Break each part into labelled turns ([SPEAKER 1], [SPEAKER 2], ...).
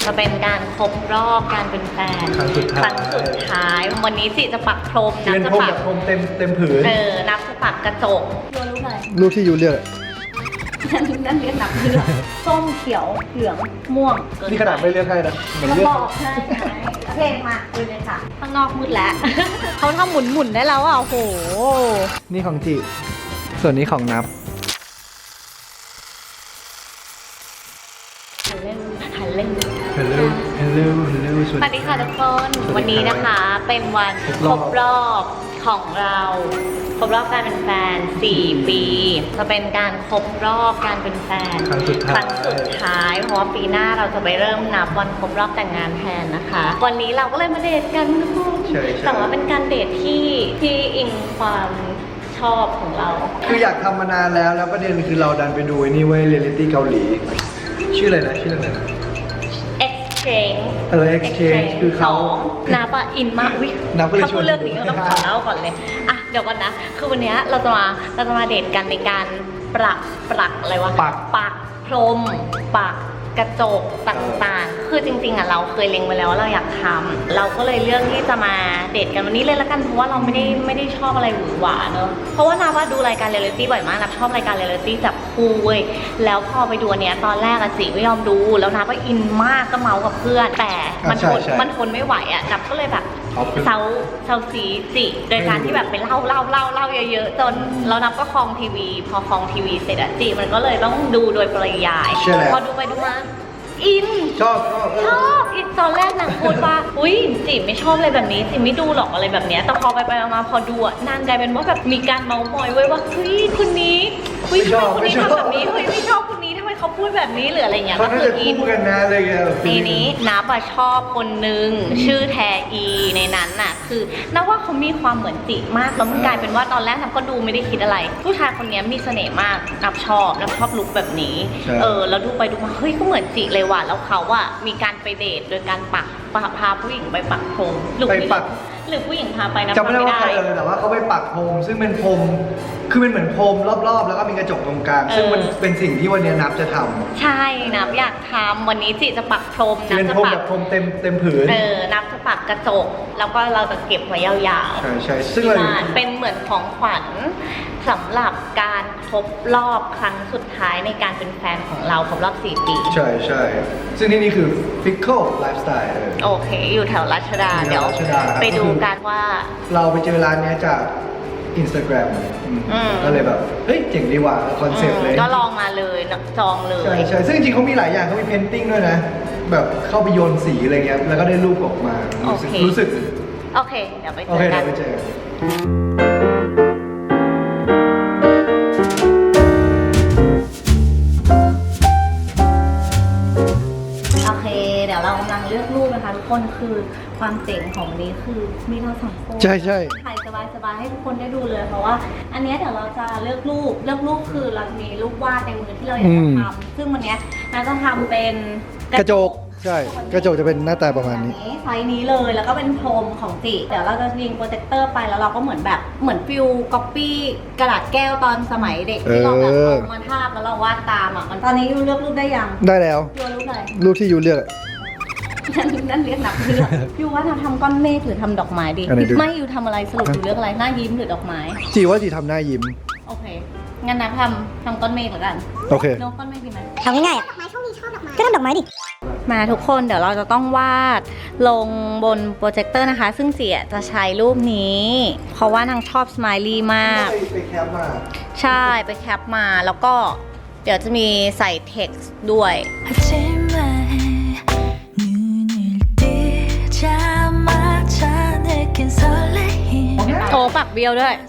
[SPEAKER 1] จะเป็นการครบรอบการเป็นแฟนครั้งสุดท้ายวันนี้สิจะปักพรมนับจะปัก
[SPEAKER 2] พรมเต็มผืน
[SPEAKER 1] นับจะปักกระจกยูรู้ไหม
[SPEAKER 2] รูปที่ยูเลือก
[SPEAKER 1] นั่นเรียกนับเลือกส้มเขียวเหลืองม่วง
[SPEAKER 2] นี่ขนาดไม่เลือกให้นะ
[SPEAKER 1] มันบอกใช่โอเคมาดูเลยค่ะข้างนอกมืดแล้วเขาทำหมุนได้แล้วอ่ะโอ้โห
[SPEAKER 2] นี่ของจิส่วนนี้ของนับ
[SPEAKER 1] ฮัลโหล
[SPEAKER 2] สวั
[SPEAKER 1] สดีค่ะทุกคนวันนี้นะคะเป็นวันครบรอบของเราครบรอบการเป็นแฟน4 ปีจะเป็นการครบรอบการเป็นแฟน
[SPEAKER 2] ครั้งสุด
[SPEAKER 1] ท้ายเพราะว่าปีหน้าเราจะไปเริ่มนับวันครบรอบแต่งงานแทนนะคะวันนี้เราก็เลยมาเดทกันทุกคนแต่ว่าเป็นการเดทที่อิงความชอบของเรา
[SPEAKER 2] คืออยากทำมานานแล้วประเด็นคือเราดันไปดูนี่เว้ยเรียลลิตี้เกาหลีชื่ออะไรนะ exchange คือเขา
[SPEAKER 1] นับอะอินมากถ้าพูดเรื่องนี้เราต้องขอเล่าก่อนเลยอ่ะเดี๋ยวก่อนนะคือวันนี้เราจะมาเดทกันในการปักอะไรวะปักพรมปักกระจกต่างๆคือจริงๆอ่ะเราเคยเล็งไว้แล้วว่าเราอยากทำเราก็เลยเลือกที่จะมาเดทกันวันนี้เลยละกันเพราะว่าเราไม่ได้ชอบอะไรหวือหวาเนอะเพราะว่านาว่าดูรายการเรียลลิตี้บ่อยมากนับชอบรายการเรียลลิตี้จับคู่เว้ยแล้วพอไปดูเนี้ยตอนแรกอะจิไม่ยอมดูแล้วนาก็อินมากก็เมากับเพื่อนแต่มันทนไม่ไหวอะนับก็เลยแบบเซาซีจิโดยการที่แบบไปเล่าเยอะๆจนแล้วนับก็คลองทีวีพอคลองทีวีเสร็จอะจิมันก็เลยต้องดูโดยปริยายพอดูไปดูมาอิน
[SPEAKER 2] ชอบ
[SPEAKER 1] อีกตอนแรกนางพูดว่าอุ้ยจิไม่ชอบอะไรแบบนี้จิไม่ดูหรอกอะไรแบบเนี้ยแต่พอไปมาพอดูอ่ะนางกลายเป็นว่าแบบมีการเมาท์มอยไว้ว่าเฮ้ยคนนี้ทำไมคนนี้ทำแบบนี้เฮ้ยไม่ชอบคนนี้ทำไมเขาพูดแบบนี้หรืออะไรเงี้ย
[SPEAKER 2] ก็คืออินกันนะอะไรเงี้ย
[SPEAKER 1] ทีนี้นับชอบคนนึงชื่อแทอีในนั้นน่ะคือนับว่าเขามีความเหมือนจิมากแล้วมันกลายเป็นว่าตอนแรกนับก็ดูไม่ได้คิดอะไรผู้ชายคนนี้มีเสน่ห์มากนับชอบลุคแบบนี้แล้วดูไปดูมาเฮ้ยก็เหมือนจิเลยว่ะแล้วเขาอะมีการไปเดทโดยการพาผู้หญิงไปปักพรมหรือผู้หญิงพาไปนะ
[SPEAKER 2] จำไม่ได้ว่าใครเลยแต่ว่าเขาไปปักพรมซึ่งเป็นพรมคือมันเหมือนพรมรอบๆแล้วก็มีกระจกตรงกลางซึ่งมันเป็นสิ่งที่วันนี้นับจะทำ
[SPEAKER 1] ใช่นับอยากทำวันนี้จิจะปักพรม
[SPEAKER 2] นับจะปักพรมเต็มผืน
[SPEAKER 1] นับจะปักกระจกแล้วก็เราจะเก็บไว้ยาว
[SPEAKER 2] ๆใช่ซึ่ง
[SPEAKER 1] เป็นเหมือนของขวัญสำหรับการครบรอบครั้งสุดท้ายในการเป็นแฟนของเราครบรอบ4 ปี
[SPEAKER 2] ใช่ซึ่งที่นี่คือ Fickle Lifestyle
[SPEAKER 1] โอเคอยู่แถวรัชดาเดี๋ยวไปดูกันว่า
[SPEAKER 2] เราไปเจอร้านนี้จาก Instagram ก็เลยแบบเฮ้ยเจ๋งดีว่ะคอนเซ็ปต์เลย
[SPEAKER 1] ก็ลองมาเลยจองเลย
[SPEAKER 2] ใช่ซึ่งจริงๆเขามีหลายอย่างเขามีเพนติ้งด้วยนะแบบเข้าไปโยนสีอะไรเงี้ยแล้วก็ได้รูปออกมารู้สึก
[SPEAKER 1] โอเคเดี๋ยวไปเจอกันเดี๋ยวเรากำลังเลือกรูปนะคะทุกคนคือความเจ๋งของวันนี้คือมีเรา2 คน
[SPEAKER 2] ใช่
[SPEAKER 1] ถ่ายสบายให้ทุกคนได้ดูเลยเพราะว่าอันนี้เดี๋ยวเราจะเลือกรูปคือเราจะมีรูปวาดในมือที่เราอยากจะทำซึ่งวันนี้เราจะทำเป็น
[SPEAKER 2] กระจกใช่กระจกจะเป็นหน้าตาประมาณนี้
[SPEAKER 1] ไซส์นี้เลยแล้วก็เป็นพรมของจิเดี๋ยวเราจะยิงโปรเจคเตอร์ไปแล้วเราก็เหมือนฟิลก๊อปปี้กระดาษแก้วตอนสมัยเด็กที่เราแบบเอามาทาบแล้วเราวาดตามอ่ะตอนนี้ยูเลือกรูปได้ยัง
[SPEAKER 2] ได้แล้ว
[SPEAKER 1] ยูรูปอะไร
[SPEAKER 2] รูปที่ยูเลือก
[SPEAKER 1] นั่นเรียกนับเลือกยูว่าทำก้อนเมฆหรือทำดอกไม้ดีไม่ยูทำอะไรสรุปยูเลือกอะไรหน้ายิ้มหรือดอกไม้
[SPEAKER 2] จีว่าจีทำหน้ายิ้ม
[SPEAKER 1] โอเคงั้นนะทำก้อนเมฆเหมือนกัน
[SPEAKER 2] โอเค
[SPEAKER 1] น้องก้อนเมฆดีไหม
[SPEAKER 3] ทำง่ายๆอ่ะดอกไม้ช่วงนี้ชอบดอกไม้ก็ทำดอกไม้ดิ
[SPEAKER 1] มาทุกคนเดี๋ยวเราจะต้องวาดลงบนโปรเจคเตอร์นะคะซึ่งเจียจะใช้รูปนี้เพราะว่านางชอบสไมลี่มาก
[SPEAKER 2] ไปแคปมา
[SPEAKER 1] ใช่ไปแคปมาแล้วก็เดี๋ยวจะมีใส่เท็กซ์ด้วยโอ้ปักเบี้ยวด้วย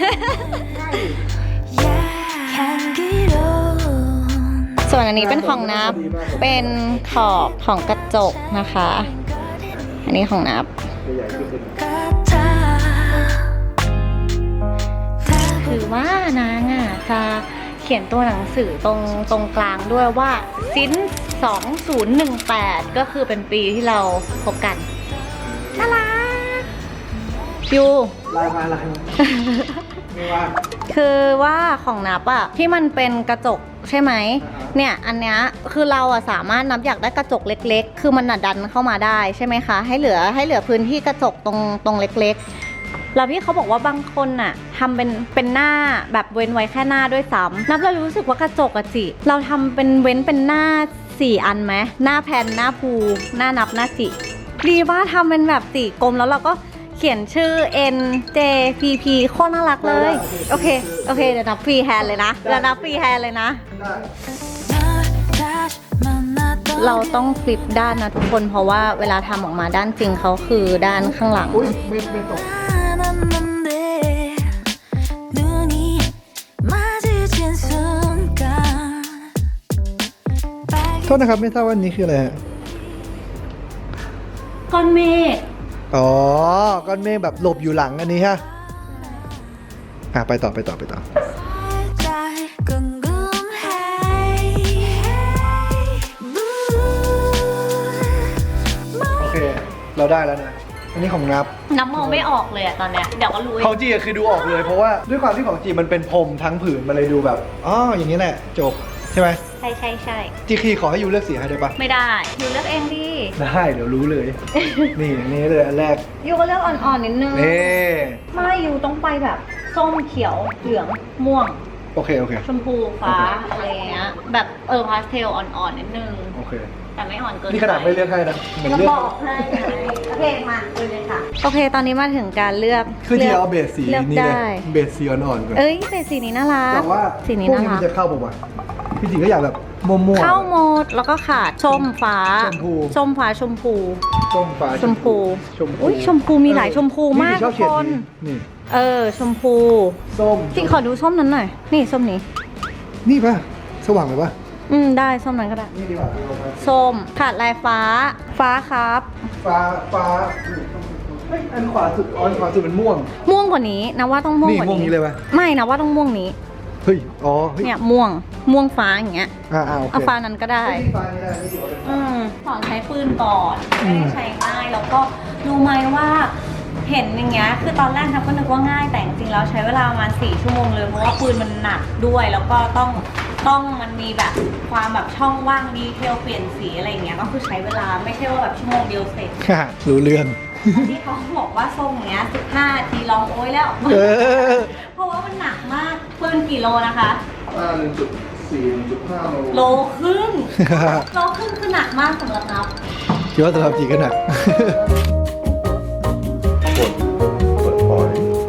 [SPEAKER 1] ส่วนอันนี้เป็นของนับเป็นขอบของกระจกนะคะอันนี้ของนับคือว่านางอ่ะจะเขียนตัวหนังสือตรงกลางด้วยว่าซิน2018ก็คือเป็นปีที่เราพบกันน่ารักยู
[SPEAKER 2] ลายมาไม่ว่า
[SPEAKER 1] คือว่าของนับอะที่มันเป็นกระจกใช่ไหมเนี่ยอันเนี้ยคือเราอะสามารถนับอยากได้กระจกเล็กๆ คือมันน่ะดันเข้ามาได้ใช่ไหมคะให้เหลือพื้นที่กระจกตรงเล็กๆแล้วพี่เขาบอกว่าบางคนน่ะทำเป็นหน้าแบบเว้นไว้แค่หน้าด้วยซ้ำนับเรารู้สึกว่ากระจกอะจิเราทำเป็นเว้นเป็นหน้า4 อันไหมหน้าแผ่นหน้าภูหน้านับหน้าจิดีว่าทำเป็นแบบ4 กลมแล้วเราก็เขียนชื่อ N J P P โคตรน่ารักเลยโอเคเดี๋ยวนับฟรีแฮนด์เลยนะเราต้องฟลิปด้านนะทุกคนเพราะว่าเวลาทำออกมาด้านจริงเขาคือด้านข้างหลัง
[SPEAKER 2] อุ้ยไม่ตกโทษนะครับไม่ทราบว่านี้คืออะไรฮะ
[SPEAKER 1] ก้อนเมฆ
[SPEAKER 2] อ๋อก้อนเมฆแบบหลบอยู่หลังอันนี้ฮะไปต่อโอเคเราได้แล้วนะอันนี้ของนับ
[SPEAKER 1] มองไม่ออกเลยอะตอนเนี้ยเดี๋ยวก็รู้
[SPEAKER 2] ของจีคือดูออกเลยเพราะว่าด้วยความที่ของจีมันเป็นพรมทั้งผืนมันเลยดูแบบอ๋ออย่างนี้แหละจบใช่ไหม
[SPEAKER 1] ใช่
[SPEAKER 2] จีคีขอให้ยูเลือกสีให้ได้ปะ
[SPEAKER 1] ไม่ได้ยูเลือกเองดิ
[SPEAKER 2] ได้เดี๋ยวรู้เลย นี่เลยอันแรก
[SPEAKER 1] ยูก็เลือกอ่อนๆนิดนึง
[SPEAKER 2] นี่
[SPEAKER 1] ไม่ยูต้องไปแบบส้มเขียวเหลืองม่วง
[SPEAKER 2] โอเค
[SPEAKER 1] ชมพูฟ้าอะไรเงี้ยแบบพาสเทลอ่อนๆนิดนึง
[SPEAKER 2] โอเค
[SPEAKER 1] แต่ไม่อ่อนเกิน
[SPEAKER 2] นี่ขนาดไม่เลือกให้นะเหมือน
[SPEAKER 1] จะ
[SPEAKER 2] เลือก
[SPEAKER 1] บอกให้โอเคมาดูเลยค่ะโอเคตอนนี้มาถึงการเลือก
[SPEAKER 2] คือจีเอาเบสสี
[SPEAKER 1] เลือก
[SPEAKER 2] นี้เล
[SPEAKER 1] ได้
[SPEAKER 2] ยเบสสีอ่อนๆก่อน
[SPEAKER 1] แต่สีนี้น่ารัก
[SPEAKER 2] แต่ว่า
[SPEAKER 1] สีนี้
[SPEAKER 2] พวก
[SPEAKER 1] น่า
[SPEAKER 2] นี้
[SPEAKER 1] รั
[SPEAKER 2] มั
[SPEAKER 1] ก
[SPEAKER 2] นจะเข้าป่าวะพี่จีก็อยากแบบมั่วๆ
[SPEAKER 1] เข้าหมดแล้วก็ขาดส้มฟ้า
[SPEAKER 2] ชมพู
[SPEAKER 1] ส้มฟ้าชมพู
[SPEAKER 2] ส้มฟ้า
[SPEAKER 1] ชมพูอุ้ยชมพูมีหลายชมพูมาก
[SPEAKER 2] ช
[SPEAKER 1] ทุ
[SPEAKER 2] อบ
[SPEAKER 1] ก
[SPEAKER 2] เฉด
[SPEAKER 1] คน
[SPEAKER 2] นี่
[SPEAKER 1] ชมพู
[SPEAKER 2] ส้ม
[SPEAKER 1] พี่ขอดูส้มนั้นหน่อยนี่ส้มนี้
[SPEAKER 2] นี่ป่ะสว่างเลยป่ะ
[SPEAKER 1] ได้ส้มนั้นก็ได้
[SPEAKER 2] นี่ดีกว่าเอามา
[SPEAKER 1] ส้มขาดลายฟ้าครับ
[SPEAKER 2] ฟ้าเฮ้ยอันขวาสุดเป็นม่วง
[SPEAKER 1] ม่วงกว่านี้นะว่าต้องม่วงกว่า
[SPEAKER 2] นี่ม่วงนี้เลยปะ
[SPEAKER 1] ไม่นะว่าต้องม่วงนี้
[SPEAKER 2] เฮ้ยอ๋อเฮ้ย
[SPEAKER 1] เนี่ยม่วงฟ้าอย่างเงี้ย
[SPEAKER 2] โอเค
[SPEAKER 1] เอาฟ้านั้นก็ได้
[SPEAKER 2] ฟ้านี่ได้นี่ดีกว่า
[SPEAKER 1] สอนใช้ปืนก่อนไม่ได้ใช้ง่ายแล้วก็รู้ไหมว่าเห็นอย่างเงี้ยคือตอนแรกทับก็นึกว่าง่ายแต่จริงๆแล้วใช้เวลาประมาณ4 ชั่วโมงเลยเพราะว่าปืนมันหนักด้วยแล้วก็ต้องมันมีแบบความแบบช่องว่างดีเทลเปลี่ยนสีอะไรอย่างเงี้ยก็คือใช้เวลาไม่ใช่ว่าแบบชั่วโมงเดียวเสร็จ
[SPEAKER 2] รู้เรื่อง
[SPEAKER 1] ที่เขาบอกว่าทรงเงี้ย15 นาทีลองโอ้ยแล้ว เพราะว่ามันหนักมากปืนกี่โลนะคะ
[SPEAKER 2] 1.4 1.5
[SPEAKER 1] โลครึ่งคือหนักมากสำหรับนับ
[SPEAKER 2] คิดว่าสำหรับจีก็หนักกดปล่อย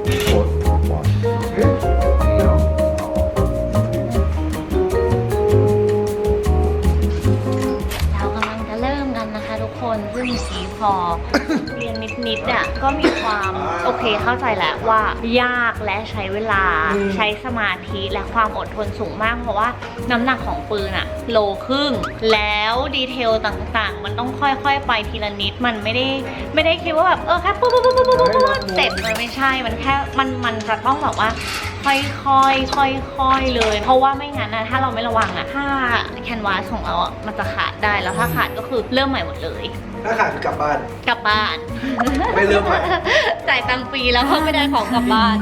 [SPEAKER 1] เรากำลังจะเริ่มกันนะคะทุกคนซึ่งสีพอ เรียนนิดๆอ่ะก็มีความโอเคเข้าใจแหละว่ายากและใช้เวลาใช้สมาธิและความอดทนสูงมากเพราะว่าน้ำหนักของปืนอะโลครึ่งแล้วดีเทลต่างๆมันต้องค่อยๆไปทีละนิดมันไม่ได้คิดว่าแบบแค่ปุ๊บเสร็จมันไม่ใช่มันแค่มันจะต้องแบบว่าค่อยๆเลยเพราะว่าไม่งั้นนะถ้าเราไม่ระวังอะถ้าแคนวาสของเราอะมันจะขาดได้แล้วถ้าขาดก็คือเริ่มใหม่หมดเลย
[SPEAKER 2] ถ้าขาดกลับบ้าน ไม่เริ่มใหม่
[SPEAKER 1] จ่ายตังค์ฟรีแล้วก็ไม่ได้ของกลับบ้าน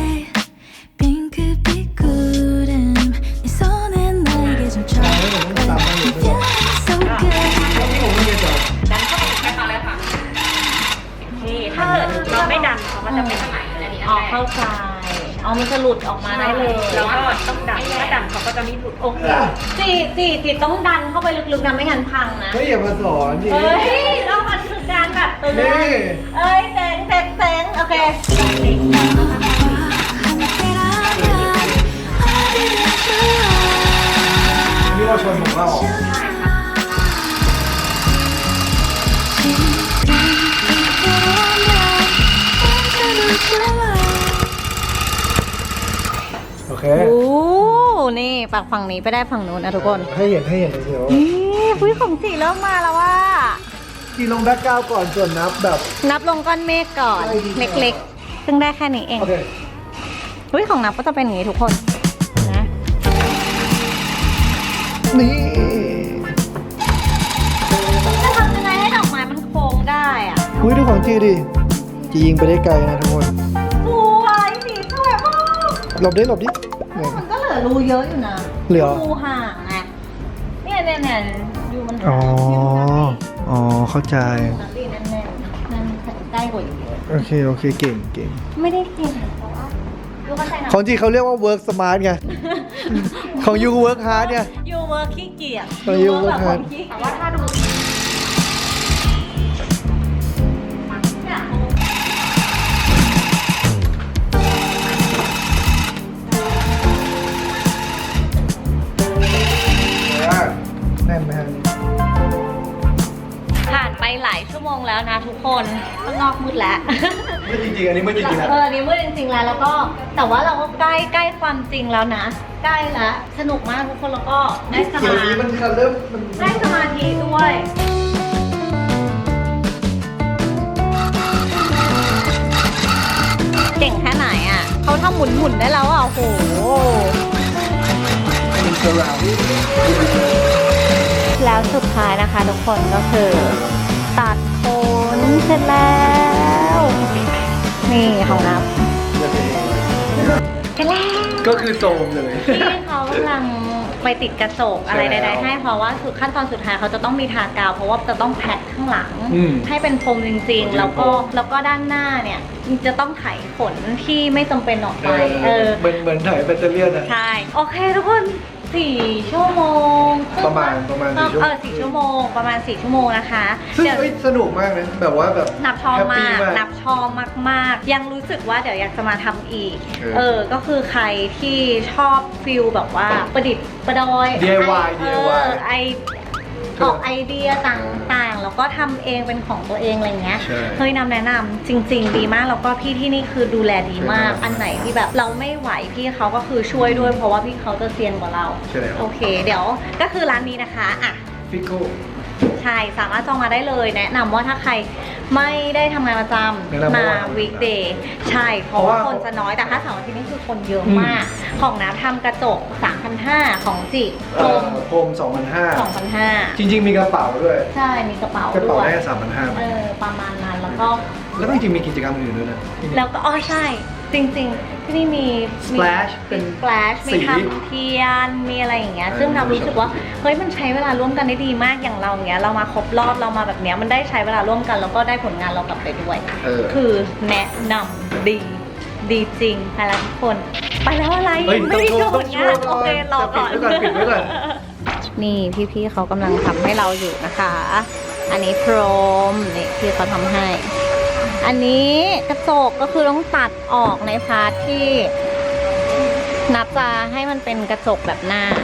[SPEAKER 1] ถ้าเราไม่ดันเขามันจะเป็นไหนเข้าใจมันจะหลุดออกมาได้เลยแล้วก็ต้องดันถ้าดันเขาก็จะไม่หลุดโอเคจีต้องดันเข้าไปลึกๆนะไม่งั้นพังนะ
[SPEAKER 2] เฮ้ยอย่ามาสอนดิ
[SPEAKER 1] แล้วมันคือการแบบตัวนี้แสงโอเค
[SPEAKER 2] นี่เราชนของเราโอเค
[SPEAKER 1] นี่ปากฝั่งนี้ไปได้ฝั่งนู้นนะทุกคน
[SPEAKER 2] ให้เห็นเดี๋ยว
[SPEAKER 1] นี่ของสีเริ่มมาแล้วว่า
[SPEAKER 2] จีลงแบ็คกราวด์ก่อนส่วนนับ
[SPEAKER 1] ลงก้อนเมฆก่อนเล็กๆซึ่งได้แค่นี้เองของนับก็จะเป็นอย่างนี้ทุกคนนะ
[SPEAKER 2] นี่
[SPEAKER 1] จะทำยังไงให้ดอกไม้มันโค้งได้อ่ะ
[SPEAKER 2] ดูของจีดิจียิงไปได้ไกลนะทุกคน
[SPEAKER 1] สวยสีสวยมาก
[SPEAKER 2] หลบดิ
[SPEAKER 1] มันก็เหลือรูเยอะอยู่นะ
[SPEAKER 2] เหลือ
[SPEAKER 1] รูห่างไงมัน
[SPEAKER 2] อ๋อ อ๋อ เข้าใจ
[SPEAKER 1] นักดีแน่นๆนั่นใกล้กว่าอยู่เยอะ
[SPEAKER 2] โอเค โอเค เก่งเก่ง
[SPEAKER 1] ไม่ได้เก่งเพราะว่ายูเข้าใจนะ
[SPEAKER 2] ของจริงเขาเรียกว่า work smart ไง ของยู work hard เนี่ย
[SPEAKER 1] ยูเวิร์คขี้เกียจ
[SPEAKER 2] เออ you work
[SPEAKER 1] แบบ
[SPEAKER 2] hard
[SPEAKER 1] คนขี้แต่ว่าถ้าดู
[SPEAKER 2] แน่นไหมฮะ
[SPEAKER 1] ผ่านไปหลายชั่วโมงแล้วนะทุกคนข้างนอกมืดแล้ว
[SPEAKER 2] มืดจริงๆ อันนี้มืดจริงๆนะ
[SPEAKER 1] อันนี้มืดจริงๆแล้วก็แต่ว่าเราก็ใกล้ความจริงแล้วนะ ใกล้แล้วสนุกมากทุกคนแล้วก็ได้ส
[SPEAKER 2] เดี๋ยว
[SPEAKER 1] มา
[SPEAKER 2] นี้
[SPEAKER 1] ธิ
[SPEAKER 2] มันเริ่มมัน
[SPEAKER 1] ได้สมาธิด้วยเก่งแค่ไหนอ่ะเขาทำหมุนได้แล้วอ่ะโอ้โห
[SPEAKER 2] เป็นเซอร์ราวด์
[SPEAKER 1] แล้วสุดท้ายนะคะทุกคนก็คือตัดขนเสร็จแล้ว นี่ของนับเสร็จแล้ว
[SPEAKER 2] ก็คือโซมเลย
[SPEAKER 1] ที่เขากำลังไปติดกระจกอะไรใดๆให้เพราะว่าคือขั้นตอนสุดท้ายเขาจะต้องมีทากาวเพราะว่าจะต้องแพ็คข้างหลัง
[SPEAKER 2] อืม
[SPEAKER 1] ให้เป็นพรมจริงๆ แล้วก็ด้านหน้าเนี่ยจะต้องไถขนที่ไม่จำเป็นออกไป
[SPEAKER 2] เหมือนถ่ายแบตเตอรี่นะ
[SPEAKER 1] ใช่โอเคทุกคน4 ชั่วโมง
[SPEAKER 2] ประมาณ4 ชั่วโมง
[SPEAKER 1] 4 ชั่วโมงประมาณ4 ชั่วโมงนะคะ
[SPEAKER 2] ซึ่ง
[SPEAKER 1] เดี๋ยว
[SPEAKER 2] สนุกมากนะแบบว่าแบบ
[SPEAKER 1] นับชอบ
[SPEAKER 2] แฮปปี้
[SPEAKER 1] มากนับชอบมากๆ ยังรู้สึกว่าเดี๋ยวอยากจะมาทำอีก ก็คือใครที่ชอบฟิลแบบว่าประดิษฐ์ประดอย
[SPEAKER 2] DIY DIY
[SPEAKER 1] ออกไอเดียต่างๆ แล้วก็ทำเองเป็นของตัวเองอะไรเงี้ย
[SPEAKER 2] ใช่
[SPEAKER 1] เฮ้ยนำแนะนำจริง ๆ ดีมากแล้วก็พี่ที่นี่คือดูแลดีมาก
[SPEAKER 2] ใช่
[SPEAKER 1] อันไหนที่แบบเราไม่ไหวพี่เขาก็คือช่วยด้วยเพราะว่าพี่เขาจะเซียนกว่าเรา
[SPEAKER 2] ใช่แล้ว
[SPEAKER 1] โอเค เดี๋ยวก็คือร้านนี้นะคะอ่ะ
[SPEAKER 2] ฟิโก้
[SPEAKER 1] ใช่สามารถจองมาได้เลยแนะนำว่าถ้าใครไม่ได้ทำงานประจ
[SPEAKER 2] แนะนำ
[SPEAKER 1] ำมา
[SPEAKER 2] ว่า
[SPEAKER 1] วีคเดย์ใช่เพราะว่าคนจะน้อยแต่ถ้าเสาร์อาทิตย์นี่คือคนเยอะมาก ของน้ำทำกระจก 3,500 ของจิพรม
[SPEAKER 2] โฮม2,500
[SPEAKER 1] 2,500
[SPEAKER 2] จริงๆมีกระเป๋าด้วย
[SPEAKER 1] ใช่มีกระเป๋าก
[SPEAKER 2] ระเป๋า
[SPEAKER 1] ด้วย
[SPEAKER 2] ได้3,500
[SPEAKER 1] ประมาณนั้นแล้วก็
[SPEAKER 2] แล้วก็จริงๆมีกิจกรรมอื่นด้วยนะ
[SPEAKER 1] แล้วก็ใช่จริงๆ ที่นี่มี
[SPEAKER 2] Splash เป็น
[SPEAKER 1] Splash มี
[SPEAKER 2] สี
[SPEAKER 1] ทำเทียนมีอะไรอย่างเงี้ยซึ่งเรารู้สึกว่าเฮ้ยมันใช้เวลาร่วมกันได้ดีมากอย่างเราเงี้ยเรามาครบรอบเรามาแบบเนี้ยมันได้ใช้เวลาร่วมกันแล้วก็ได้ผลงานเรากลับไปด้วย คือแนะนำดีจริงไปแล้วทุกคนไปแล้วอะไร
[SPEAKER 2] เฮ้ย
[SPEAKER 1] ไม่ได้โชว์ผลงาน
[SPEAKER 2] ต้องโชว์
[SPEAKER 1] โอเครอก่อน
[SPEAKER 2] ปิดไว้ก่อน
[SPEAKER 1] นี่พี่ๆเขากำลังทำให้เราอยู่นะคะ อันนี้พรมนี่พี่เขาทำให้ อันนี้กระจกก็คือต้องตัดออกในพาร์ทที่นับจะให้มันเป็นกระจกแบบหน้า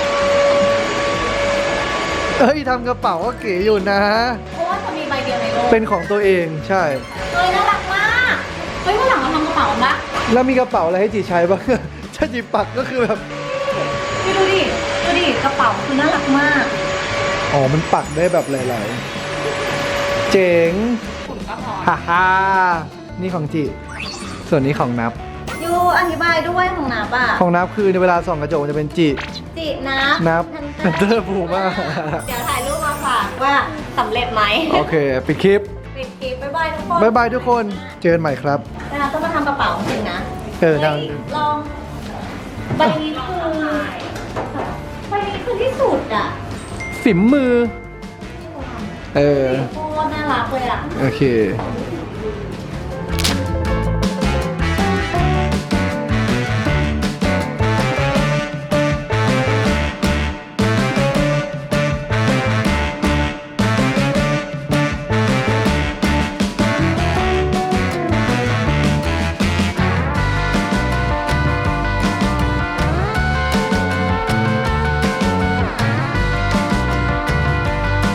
[SPEAKER 2] เฮ้ยทำกระเป๋าก็เก๋อยู่นะ
[SPEAKER 1] เพราะว่าจะมีใบเดียวในโลก
[SPEAKER 2] เป็นของตัวเองใช่
[SPEAKER 1] เฮ้ยน่ารักมากเฮ้ยวันหลังเราทำกระเป๋าปะ
[SPEAKER 2] แล้วมีกระเป๋าอะไรให้จีใช้บ้าง ถ้าจีปักก็คือแบบ
[SPEAKER 1] พี่ดูดิกระเป๋าคือน่ารักมาก
[SPEAKER 2] อ๋อ มันปักได้แบบหลายๆ เจ๋ง
[SPEAKER 1] ฝุ่นก็พอ
[SPEAKER 2] ฮ่าฮ่านี่ของจีส่วนนี้ของนับ
[SPEAKER 1] ยูอธิบายด้วยของนับอ่ะ
[SPEAKER 2] ของนับคือในเวลาส่องกระจกจะเป็นจี
[SPEAKER 1] จินั
[SPEAKER 2] นับ
[SPEAKER 1] ทัน
[SPEAKER 2] เตอร์ภูมา
[SPEAKER 1] เดี๋ยวถ่ายรูปมาฝากว่าสำเร็จไหม
[SPEAKER 2] โอเค ปิดคลิป
[SPEAKER 1] ปิดคลิปบ๊ายบายทุกคน
[SPEAKER 2] บ๊ายบายทุกคน เจอกันใหม่ครับ
[SPEAKER 1] นะคะต้องมาทำกระเป๋าจริงนะ
[SPEAKER 2] เออ
[SPEAKER 1] ฮ้ย
[SPEAKER 2] ดัง
[SPEAKER 1] ลองใบนี้คือที่สุดอ่ะ
[SPEAKER 2] ฝีมือ เออ
[SPEAKER 1] โคตรน่ารักเลยอ่ะ
[SPEAKER 2] โอเค